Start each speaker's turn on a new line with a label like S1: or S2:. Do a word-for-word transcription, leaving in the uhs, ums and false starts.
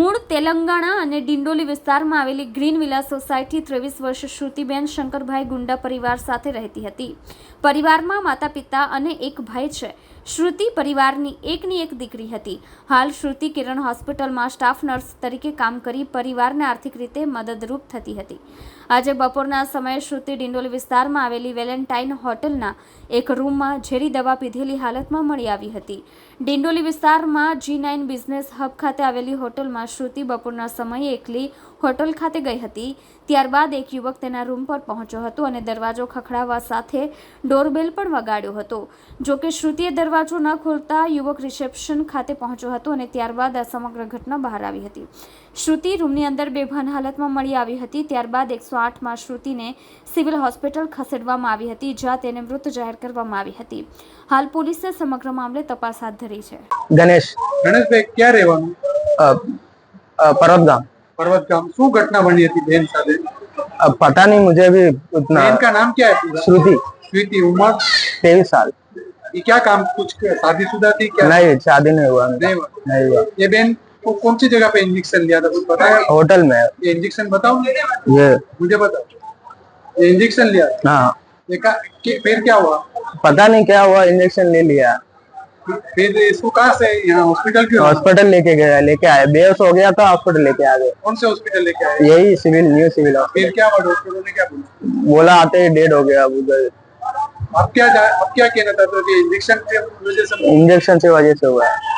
S1: મૂળ તેલંગાણા અને ડિંડોલી વિસ્તારમાં આવેલી ગ્રીન વિલા સોસાયટી ત્રેવીસ વર્ષ શ્રુતિબેન શંકરભાઈ ગુંડા પરિવાર સાથે રહેતી હતી. પરિવારમાં માતા પિતા અને એક ભાઈ છે. શ્રુતિ પરિવારની એકની એક દીકરી હતી. હાલ શ્રુતિ કિરણ હોસ્પિટલમાં સ્ટાફ નર્સ તરીકે કામ કરી પરિવારને આર્થિક રીતે મદદરૂપ થતી હતી. આજે બપોરના સમયે શ્રુતિ ડિંડોલી વિસ્તારમાં આવેલી વેલેન્ટાઇન હોટલના એક રૂમમાં ઝેરી દવા પીધેલી હાલતમાં મળી આવી હતી. ડિંડોલી વિસ્તારમાં જી નાઇન બિઝનેસ હબ ખાતે આવેલી હોટલમાં શ્રુતિ બપોરના સમયે એકલી હોટલ ખાતે ગઈ હતી. ત્યારબાદ એક યુવક તેના રૂમ પર પહોંચ્યો હતો અને દરવાજો ખખડાવવા સાથે ડોરબેલ પણ વગાડ્યો હતો. જોકે શ્રુતિએ દરવાજો ન ખોલતા યુવક રિસેપ્શન ખાતે પહોંચ્યો હતો અને ત્યારબાદ આ સમગ્ર ઘટના બહાર આવી હતી. શ્રુતિ રૂમની અંદર બેભાન હાલતમાં મળી આવી હતી. ત્યારબાદ એકસો આઠમાં શ્રુતિને સિવિલ હોસ્પિટલ ખસેડવામાં આવી હતી, જ્યાં તેને મૃત જાહેર કરવામાં આવી હતી. હાલ પોલીસે સમગ્ર મામલે તપાસ હાથ ધરી છે.
S2: गणेश
S3: गणेश भाई क्या રહેવાનું?
S2: पर्वत गांव.
S3: पर्वत गांव. શું ઘટના બની હતી બેન સાથે?
S2: अब पता नहीं मुझे भी उतना.
S3: बेन का नाम क्या है पूरा?
S2: श्रुति.
S3: श्रुति. उम्र
S2: तेईस साल.
S3: ये क्या काम, कुछ शादीशुदा थी क्या?
S2: नहीं, शादी नहीं हुआ.
S3: नहीं हुआ.
S2: नहीं हुआ.
S3: ये बेन को कौन सी जगह पे इंजेक्शन लिया था, कुछ पता है?
S2: होटल में.
S3: ये इंजेक्शन बताओ
S2: ये
S3: मुझे, बताओ. ये इंजेक्शन लिया
S2: हाँ.
S3: ये का, के, फिर क्या हुआ?
S2: पता नहीं क्या हुआ, इंजेक्शन ले लिया.
S3: फिर इसको कहाँ से यहाँ हॉस्पिटल क्यों?
S2: हॉस्पिटल लेके गया, लेके आए. बेहोश हो गया था, हॉस्पिटल लेके आ गए.
S3: कौन से हॉस्पिटल लेके आए?
S2: यही सिविल, न्यू सिविल.
S3: फिर क्या हुआ? डॉक्टरों ने क्या बोला?
S2: बोला आते ही डेड हो गया उधर.
S3: अब क्या अब क्या कहना था? तो इंजेक्शन की वजह से
S2: इंजेक्शन से वजह से हुआ है.